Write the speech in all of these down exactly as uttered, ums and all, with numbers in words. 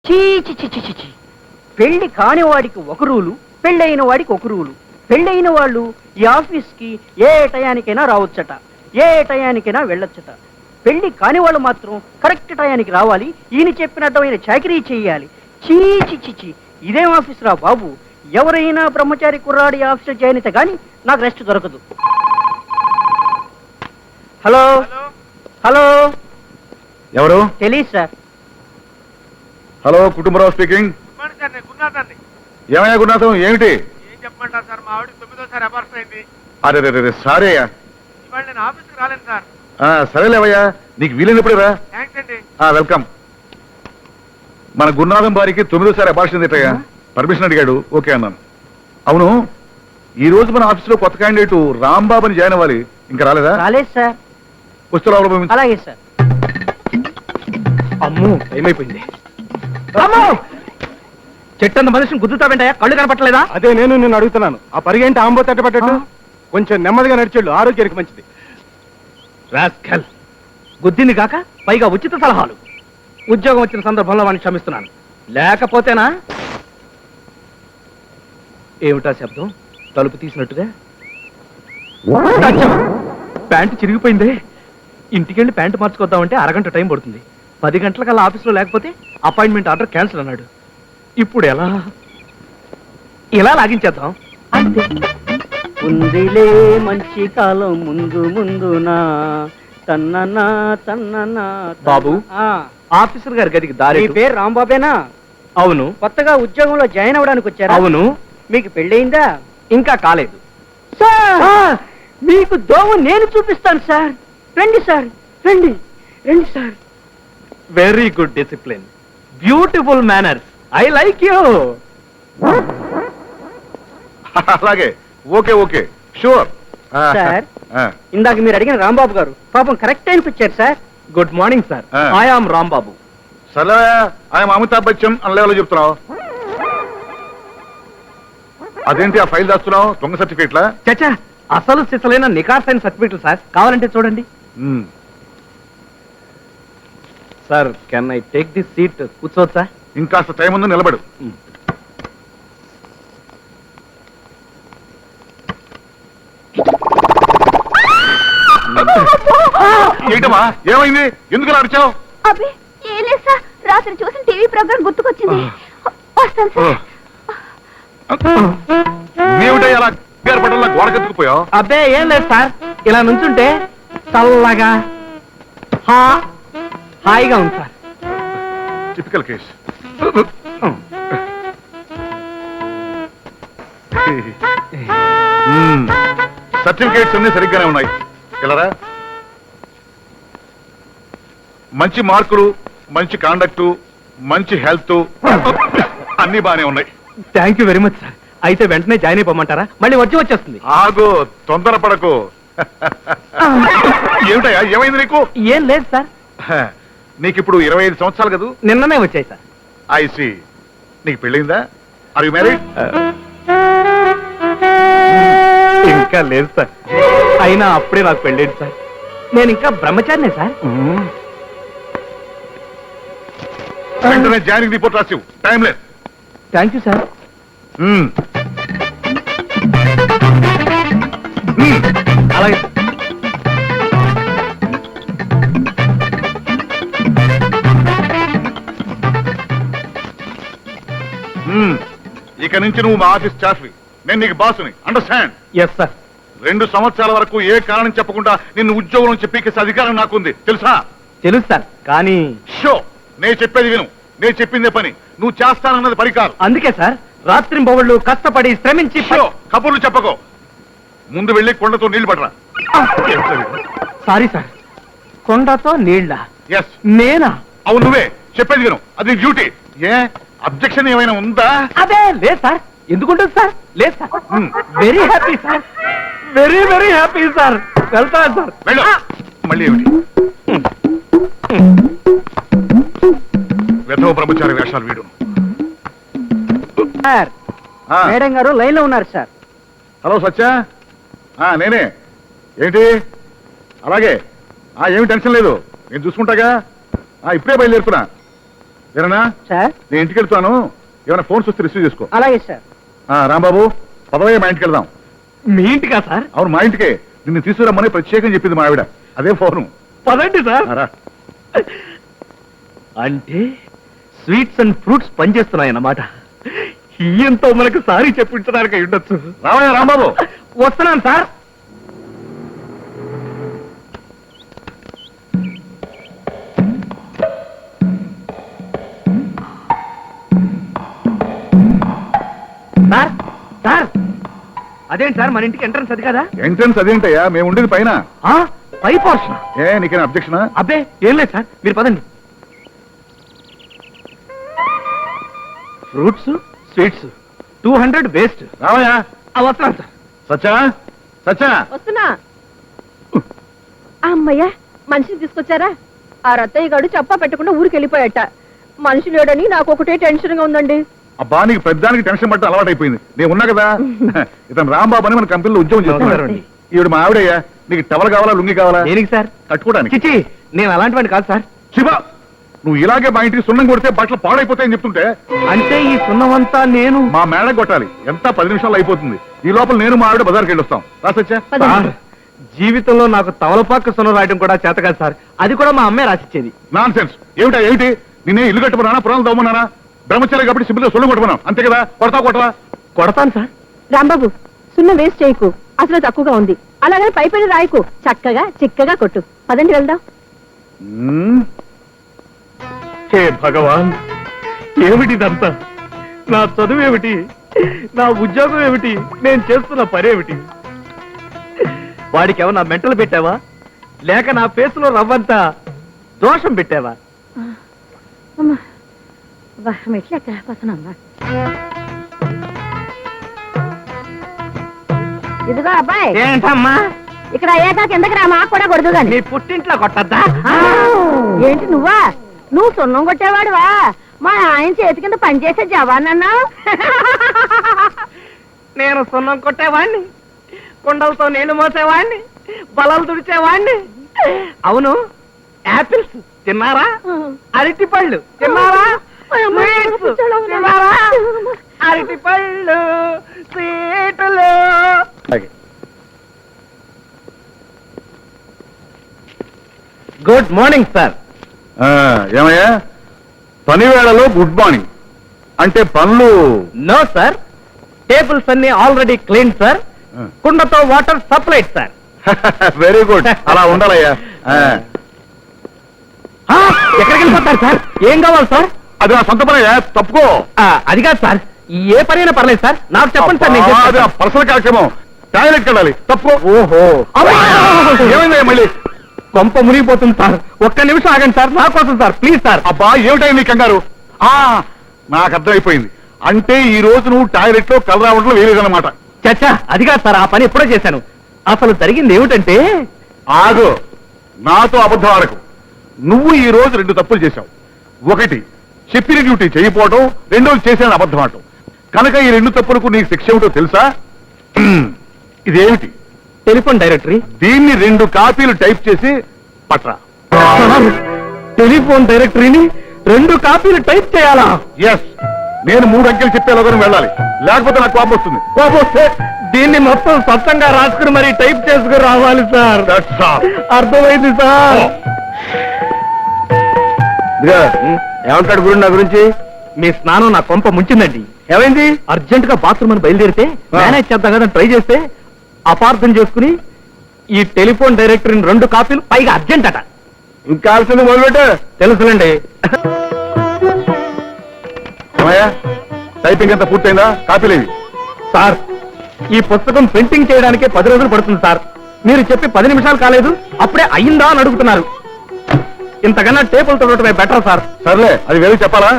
చీ చి చి చి చి చి. పెళ్లి కాని వాడికి ఒక రూలు, పెళ్ళైన వాడికి ఒక రూలు. పెళ్ళైన వాళ్ళు ఈ ఆఫీస్కి ఏ టయానికైనా రావచ్చట, ఏ టయానికైనా వెళ్ళొచ్చట. పెళ్లి కాని వాళ్ళు మాత్రం కరెక్ట్ టయానికి రావాలి, ఈయన చెప్పినట్టమైన చాకరీ చేయాలి. చీ చి చి చి. ఇదేం ఆఫీస్ రా బాబు. ఎవరైనా బ్రహ్మచారి కుర్రాడి ఆఫీస్ చేయనిత కానీ నాకు రెస్ట్ దొరకదు. హలో హలో, ఎవరు? తెలీదు సార్. Hello, Kutumbarao speaking. ఏమయ్యా గురునాథం, ఏమిటి? ఏం చెప్పమంటారు సార్, మా ఆవిడ తొమ్మిదోసారి అబార్షన్ అయింది. అరే రే సారీ అయ్యా. ఇవాళ నేను ఆఫీస్కి రాలేను సార్. సరేలేవయ్యా, నీకు వీలైనప్పుడే రా. థ్యాంక్స్ అండి. వెల్కమ్. మన గురునాథం వారికి తొమ్మిదోసారి అబార్షన్ ఏంటయ్యా? పర్మిషన్ అడిగాడు, ఓకే అన్నాను. అవును, ఈ రోజు మన ఆఫీసులో కొత్త క్యాండిడేట్ రాంబాబుని జాయిన్ అవ్వాలి, ఇంకా రాలేదా? రాలేదు సార్. వస్తున్నా. అలాగే సార్. అమ్మో, ఏమైపోయింది? అమ్మో, చెట్టంత మనిషిని గుద్దుతావేంటయ్యా? కళ్ళు కనపట్టలేదా? అదే నేను నిన్ను అడుగుతున్నాను. ఆ పరిగెంటి ఆంబో తట్టబట్టట్టు కొంచెం నెమ్మదిగా నడిచేళ్ళు, ఆరోగ్యానికి మంచిది. రాస్కల్, గుద్దింది కాక పైగా ఉచిత సలహాలు. ఉద్యోగం వచ్చిన సందర్భంలో వాడిని క్షమిస్తున్నాను, లేకపోతేనా? ఏమిటా శబ్దం? తలుపు తీసినట్టుగా. ప్యాంటు చిరిగిపోయిందే. ఇంటికెళ్ళి ప్యాంటు మార్చుకొద్దామంటే అరగంట టైం పడుతుంది. పది గంటలకల్లా ఆఫీస్లో లేకపోతే అపాయింట్మెంట్ ఆర్డర్ క్యాన్సిల్ అన్నాడు. ఇప్పుడు ఎలా? ఇలా లాగించేద్దాం. అంతే. ఉందిలే మంచి కాలం ముందు ముందునా తన్ననా తన్ననా. బాబు, ఆ, ఆఫీసర్ గారి గదికి దారి. మీ పేరు రాంబాబేనా? అవును. కొత్తగా ఉద్యోగంలో జాయిన్ అవ్వడానికి వచ్చారా? అవును. మీకు పెళ్ళయిందా? ఇంకా కాలేదు. సార్, మీకు దోమ నేను చూపిస్తాను సార్. రండి సార్, రండి రండి sir. Very good discipline, beautiful manners, I like you. అలాగే, ఓకే ఓకే, షూర్. సార్, ఇందాక మీరు అడిగిన రాంబాబు గారు పాపం కరెక్ట్ టైంకి వచ్చారు sir. Good morning sir. I am Rambabu. సరే, ఆయన అమితాబ్ బచ్చన్ అన్న లెవెల్లో చెప్తున్నావు. అదేంటి ఆ ఫైల్ దాస్తున్నావు? దొంగ సర్టిఫికేట్లా? చచ్చా, అసలు సిసలైన నికార్సైన సర్టిఫికెట్లు సార్. కావాలంటే చూడండి. Sir, can I take this seat? కూర్చోవచ్చా? ఇంకాస్త టైం ఉంది, నిలబడు. ఏంటమ్మా, ఏమైంది? ఎందుకు అరిచావు? అబ్బే ఏం లేదు సార్, రాత్రి చూసిన టీవీ ప్రోగ్రామ్ గుర్తుకొచ్చింది. వస్తాను సార్. నీవుంటే అలా పట్టణంలో గోడ కత్తుకుపోయావు? అబ్బే ఏం లేదు సార్, ఇలా నుంచుంటే చల్లగా హా- హాయిగా ఉంది సార్. Typical case. సర్టిఫికేట్స్ అన్ని సరిగ్గానే ఉన్నాయి. ఇలారా, మంచి మార్కులు, మంచి కాండక్టు, మంచి హెల్త్ అన్ని బానే ఉన్నాయి. Thank you very much sir. అయితే వెంటనే జాయిన్ అయిపోమంటారా? మళ్ళీ వచ్చి వచ్చేస్తుంది. ఆగు, తొందరపడకు. ఏమిటయ్యా, ఏమైంది నీకు? ఏం లేదు సార్. నీకు ఇప్పుడు ఇరవై ఐదు సంవత్సరాలు కదా? నిన్ననే వచ్చాయి సార్. I see. నీకు పెళ్ళిందా? Are you married? ఇంకా లేదు సార్. అయినా అప్పుడే నాకు పెళ్ళేది సార్. నేను ఇంకా బ్రహ్మచారినే సార్. వెంటనే జాయినింగ్ రిపోర్ట్ రాసివు, టైం లేదు. Thank you sir. అలాగే. ఇక నుంచి నువ్వు మా ఆఫీస్ స్టాఫ్వి, నేను నీకు బాసుని. అండర్స్టాండ్? Yes sir. రెండు సంవత్సరాల వరకు ఏ కారణం చెప్పకుండా నిన్ను ఉద్యోగం నుంచి పీకేసే అధికారం నాకుంది, తెలుసా? తెలుసు సార్, కానీ షో, నేను చెప్పేది విను. నేను చెప్పిందే పని, నువ్వు చేస్తానన్నది పరికారం. అందుకే సార్ రాత్రింబవళ్ళు కష్టపడి శ్రమించి. షో, కబుర్లు చెప్పకో. ముందు వెళ్ళి కొండతో నీళ్లు పడరా. సారీ సార్, కొండతో నీళ్ళ? ఎస్. నేనా? అవును, నువ్వే. చెప్పేది విను, అది డ్యూటీ. ఏ అబ్జెక్షన్ ఏమైనా ఉందా? అదే లేదు సార్. ఎందుకుంటుంది సార్? లేదు sir. Very happy sir, very very happy sir. వెళ్తాను సార్. వెళ్ళు. మళ్ళీ ఏమిటి వెధవ బ్రహ్మచారి వేషాలు వీడు. సార్, మేడం గారు లైన్ లో ఉన్నారు సార్. హలో సత్య, నేనే. ఏంటి? అలాగే, ఏమి టెన్షన్ లేదు, నేను చూసుకుంటాగా. ఇప్పుడే బయలుదేరుతున్నా. వీరనా సార్ నేను ఇంటికి వెళ్తాను, ఏమైనా ఫోన్స్ వస్తే రిసీవ్ చేసుకో. అలాగే సార్. ఆ, రాంబాబు పదవయ్య మా ఇంటికి వెళ్దాం. మీ ఇంటికా సార్? అవును, మా ఇంటికే. నిన్ను తీసుకురమ్మని ప్రత్యేకం చెప్పింది మా ఆవిడ. అదే ఫోను. పదండి సార్. ఆ, రా. అంటే స్వీట్స్ అండ్ ఫ్రూట్స్ పనిచేస్తున్నాయన్నమాట. ఈయంతో మనకు సారీ చెప్పించడానికి అయి ఉండొచ్చు. రావయ్య రాంబాబు. వస్తున్నాను సార్. సార్ సార్ అదేంటి సార్ మన ఇంటికి ఎంట్రన్స్ అది కదా? ఎంట్రన్స్ అదేంటయ్యా, మేము ఉండేది పైన. ఆ, పై పోర్షన్. ఏ నీకేనా అబ్జెక్షనా? అబ్బే ఏం లేదు సార్, మీరు పదండి. Fruits sweets two hundred waste. రావయ్యా. వస్తున్నాను సార్. సచ్చా సచ్చా వస్తున్నా. అమ్మయ్యా, మనిషిని తీసుకొచ్చారా? ఆ రత్తయ్య గారు చెప్పా పెట్టకుండా ఊరికి వెళ్ళిపోయాట. మనిషి లేడని నాకు ఒకటే టెన్షన్ గా ఉందండి. అబ్బా, నీకు పెద్దానికి టెన్షన్ పట్ట అలవాటు అయిపోయింది. నేను ఉన్నా కదా. ఇతను రాంబాబు అని మన కంపెనీలో ఉద్యోగం చేస్తున్నాడు. నమస్కారం. ఈవిడ మా ఆవిడయ్యా. నీకు టవల్ కావాలా, లుంగి కావాలా? దేనికి సార్? కట్టుకోవడానికి. చిచి, నేను అలాంటివాడిని కాదు సార్. శివ, నువ్వు ఇలాగే మా ఇంటికి సున్నం కొడితే బట్టలు పాడైపోతాయని చెప్తుంటే అంటే ఈ సున్నమంతా నేను మా మేడ కొట్టాలి. ఎంత పది నిమిషాలు అయిపోతుంది. ఈ లోపల నేను మా ఆవిడ బజార్కి వెళ్ళి వస్తాం. రాసొచ్చా? సార్, జీవితంలో నాకు తవలపాక సున్నం రాయడం కూడా చేత కాదు సార్. అది కూడా మా అమ్మే రాసిచ్చేది. Non sense. ఏమిటా ఏమిటి? నేనే ఇల్లు కట్టుకున్నానా, పురాణాలు దవ్వమన్నానా? బ్రహ్మచారి కాబట్టి సిబ్బిలో సొల్లు కొట్టుకున్నాం అంతే కదా. కొడతా కొట్టరా? కొడతాను సార్. రాంబాబు, సున్న వేస్ట్ చేయకు. అసలు తక్కువగా ఉంది. అలాగే పై పైన రాయకు. చక్కగా చిక్కగా కొట్టు. పదండి వెళ్దాం. మ్మ్. హే భగవాన్, ఏమిటిదంతా? నా చదువు ఏమిటి, నా ఉద్యోగం ఏమిటి, నేను చేస్తున్న పనేమిటి? వాడికి ఏమన్నా మెంటలు పెట్టావా, లేక నా ఫేసులో రవ్వంతా దోషం పెట్టావా? మెట్లు ఎక్కలేకపోతున్నా. ఇదిగో అబ్బాయి, ఏంటమ్మా? ఇక్కడ అయ్యాక కిందకి రా, మాకు కూడా కొడదు గాని. నీ పుట్టింట్లో కొట్టద్దా? ఏంటి నువ్వా? నువ్వు సున్నం కొట్టేవాడువా? మా ఆయన చేతి కింద పనిచేసే జవాన్ అన్నావు. నేను సున్నం కొట్టేవాణ్ణి, కుండలతో నీళ్లు మోసేవాణ్ణి, బలాలు తుడిచేవాణ్ణి. అవును, యాపిల్స్ తిన్నారా? అరటి పళ్ళు తిన్నారా? స్వీట్స్ తిన్నారా? అరటి పళ్ళు, స్వీట్లు. Good morning sir. ఆ, ఏమయ్యా, పని వేళలో గుడ్ మార్నింగ్ అంటే పనులు? నో సార్, టేబుల్స్ అన్ని ఆల్రెడీ క్లీన్ సార్. కుండతో water supplied sir. Very good. అలా ఉండాలయ్యా. ఆ, ఆ, ఎక్కడికి వెళ్ళిపోతారు సార్? ఏం కావాలి సార్? అది నా సొంత పనయ్యా, తప్పుకో. ఆ, అది కాదు సార్, ఏ పనైనా పర్లేదు సార్, నాకు చెప్పండి సార్. నేను అబ్బా, అది చేస్తాను. నా పర్సనల్ కార్యక్రమం. టాయిలెట్కి వెళ్ళాలి, తప్పుకో. ఓహో, ఏమైందయ్యా మళ్ళీ? కొంప మునిగిపోతుంది సార్. ఒక్క నిమిషం ఆగండి సార్, నా కోసం సార్, ప్లీజ్ సార్. అబ్బా, ఏమిటాయి నీ కంగారు? ఆ, నాకు అర్థమైపోయింది. అంటే ఈ రోజు నువ్వు టాయిలెట్ లో కలర్ రావడంలో వేరేదన్నమాట. చచ్చా, అది కాదు సార్, ఆ పని ఎప్పుడో చేశాను. అసలు జరిగింది ఏమిటంటే, ఆగు, నాతో అబద్ధం ఆడకు. నువ్వు ఈ రోజు రెండు తప్పులు చేశావు. ఒకటి, చెప్పిన డ్యూటీ చేయకపోవడం, రెండోది చేసిన అబద్ధం ఆడటం. కనుక ఈ రెండు తప్పులకు నీకు శిక్ష ఏమిటో తెలుసా? ఇదేమిటి? Telephone directory. దీన్ని రెండు కాపీలు టైప్ చేసి పట్రా. టెలిఫోన్ డైరెక్టరీని రెండు కాపీలు టైప్ చేయాలా? ఎస్, నేను మూడు అంకెలు చెప్పేలోగా వెళ్ళాలి, లేకపోతే నాకు కోపం వస్తుంది. కోపం వస్తే దీన్ని మొత్తం స్వచ్ఛంగా రాసుకుని మరి టైప్ చేసుకుని రావాలి సార్. That's all. అర్థమైంది సార్. ఏమంటాడు గురు నా గురించి? మీ స్నానం నా కొంప ముంచిందండి. ఏమైంది? అర్జెంట్ గా బాత్రూమ్ అని బయలుదేరితే మేనేజ్ చేద్దాం కదా ట్రై చేస్తే అపార్థం చేసుకుని ఈ టెలిఫోన్ డైరెక్టరీని రెండు కాపీలు, పైగా అర్జెంట్ అట. ఇంకా కాల్సింది మొదలుపెట్టు. తెలుసులండి టైపింగ్ అంతా పూర్తయిందా? కాపీలేవి? సార్, ఈ పుస్తకం ప్రింటింగ్ చేయడానికే పది రోజులు పడుతుంది సార్. మీరు చెప్పి పది నిమిషాలు కాలేదు, అప్పుడే అయ్యిందా అని అడుగుతున్నారు. ఇంతకన్నా టేబుల్ తొడటమే బెటర్ సార్. సర్లే, అది వేరే చెప్పాలా?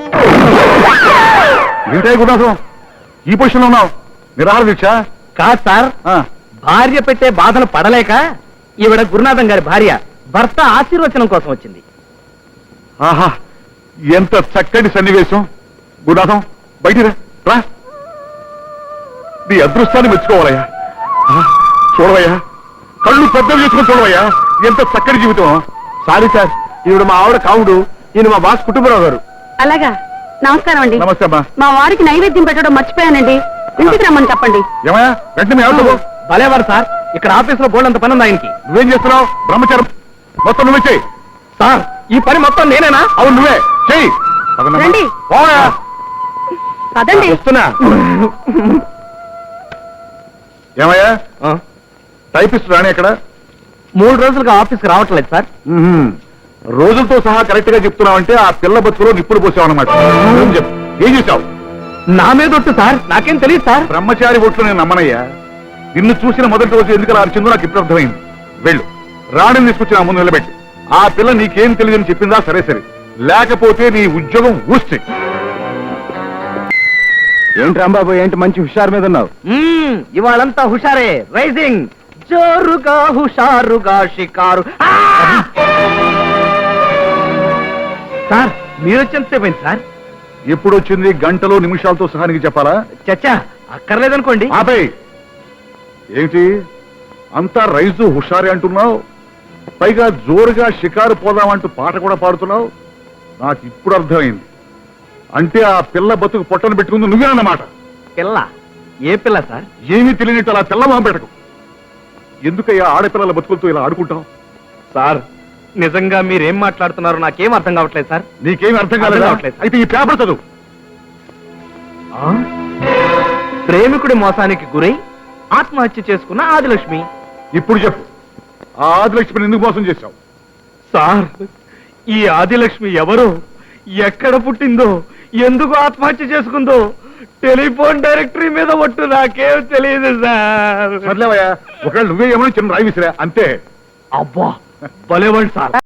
ఏంటే గుణాసం, ఈ పొజిషన్ లో ఉన్నావు? నిరాహార దీక్ష? కాదు సార్, ఆ, భార్య పెట్టే బాధలు పడలేక ఈవిడ గురునాథం గారి భార్య భర్త ఆశీర్వచనం కోసం వచ్చింది. ఆహా, ఎంత చక్కటి సన్నివేశం. గుణాథం, బయటికి రా, రా. నీ అదృష్టాన్ని మెచ్చుకోవాలయ్యా. ఆ, చూడవయ్యా, కళ్ళు పెద్దవి చేసుకుని చూడవయ్యా, ఎంత చక్కటి జీవితం. సారీ సార్, ఈవిడ మా ఆవిడ కావుడు, ఈయన మా బాస్ కుటుంబరావు గారు. అలాగా నమస్కారం అండి నమస్తే అమ్మా. మా వారికి నైవేద్యం పెట్టడం మర్చిపోయానండి ఇంటికి రమ్మని చెప్పండి ఏమయ్యా వెంటనే మీ ఆవిడతో పో. భలేవారు సార్ ఇక్కడ ఆఫీస్ లో బోల్డ్ అంత పని ఉంది ఆయనకి. నువ్వేం చేస్తున్నావు? బ్రహ్మచారం మొత్తం నువ్వే చెయ్యి. సార్ ఈ పని మొత్తం నేనేనా? అవును నువ్వే చెయ్యి. పదనమ్మా. రండి. పోయా. పదండి వస్తున్నా. ఏమయ్యా ఆ, టైపిస్ట్ రాని ఎక్కడ? మూడు రోజులుగా ఆఫీస్కి రావట్లేదు సార్. మ్మ్. రోజులతో సహా కరెక్ట్ గా చెప్తున్నావంటే ఆ పిల్ల బతుకులో నిప్పులు పోసావన్నమాట. ఏం చెప్పు ఏం చేశావు? నా మీద ఒట్టు సార్, నాకేం తెలియదు సార్. బ్రహ్మచారి ఒట్లు నేను నమ్మనయ్యా. నిన్ను చూసిన మొదటి రోజు ఎందుకు అలా అరిచిందో నాకు ఇప్పుడు అర్థమైంది. వెళ్ళు, రాణిని తీసుకొచ్చి నా ముందు నిలబెట్టి. ఆ పిల్ల నీకేం తెలియదని చెప్పిందా సరే సరే, లేకపోతే నీ ఉద్యోగం ఊస్తే. ఏంటి రాంబాబు ఏంటి మంచి హుషారు మీద ఉన్నావు? మ్మ్, ఇవాళంతా హుషారే. రైజింగ్ జోరుగా హుషారుగా షికారు. ఆ! సార్ మీరు వచ్చేంతసేపు అయింది సార్. ఎప్పుడు వచ్చింది? గంటలో నిమిషాలతో సహా నీకు చెప్పాలా? చచ్చా అక్కర్లేదనుకోండి. ఆపే. ఏమిటి అంతా రైజు హుషారే అంటున్నావు? పైగా జోరుగా షికారు పోదామంటూ పాట కూడా పాడుతున్నావు. నాకు ఇప్పుడు అర్థమైంది. అంటే ఆ పిల్ల బతుకు పొట్టను పెట్టుకుంది నువ్వేనన్నమాట. పిల్ల ఏ పిల్ల సార్? ఏమీ తెలియనట్టు అలా పిల్ల మొహం పెట్టకు. ఎందుకయ్యా ఆడపిల్లల బతుకులతో ఇలా ఆడుకుంటావు? సార్ నిజంగా మీరేం మాట్లాడుతున్నారో నాకేం అర్థం కావట్లేదు సార్. నీకేమీ అర్థం అర్థం కాలేదా? కావట్లేదు. అయితే ఈ పేపర్ చదువు. ఆ? ప్రేమికుడి మోసానికి గురై ఆత్మహత్య చేసుకున్న ఆదిలక్ష్మి. ఇప్పుడు చెప్పు, ఆ ఆదిలక్ష్మిని ఎందుకు మోసం చేశావు? సార్ ఈ ఆదిలక్ష్మి ఎవరో, ఎక్కడ పుట్టిందో, ఎందుకు ఆత్మహత్య చేసుకుందో టెలిఫోన్ డైరెక్టరీ మీద ఒట్టు నాకేం తెలియదు సార్. సర్లేవయ్యా, ఒకవేళ నువ్వే ఏమో చిన్న రాయి విసిరా అంతే. అబ్బా భలేవాడు సార్.